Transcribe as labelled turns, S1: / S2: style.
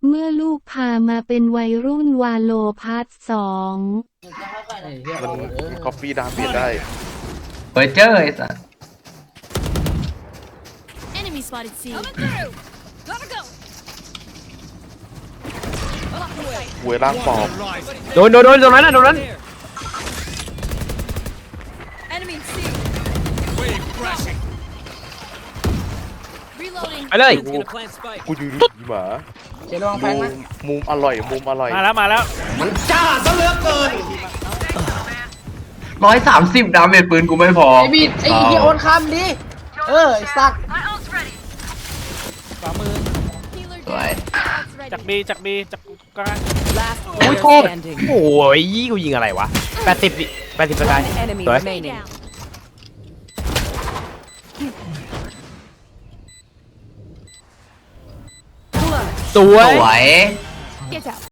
S1: เมื่อลูกพามาเป็นวัยรุ่นวาโลพาร์ท2
S2: มันคอฟฟี่ดามเบียดได้
S3: เปิดเจอไอ้สัส
S4: Enemy spotted C.
S2: หวยล่างปอบ
S5: โดนตรงนั้นน่ะตรงนั้น
S4: Enemy C. Reloading.
S5: ไปเลย
S2: กูยืนดูหมา
S6: เจลองแฟงนะ
S2: มุมอร่อยมุมอร่อย
S5: มาแล้ว
S3: 130ดาเมจปืนกูไม่พอ
S6: ไอ้บีดไอ้เหี้ยโอนคำดิไอ้สัตว์
S4: Healer
S3: สวย
S4: down. That's ready.
S5: จากบีจากกลาง
S7: Last
S5: โอ้ย
S7: player
S5: โทษ
S7: standing.
S5: โอ้ยกูยิงอะไรวะ80สกาย
S7: Enemy
S5: สวย
S7: remaining.
S5: สวย
S3: สวย
S4: Get out.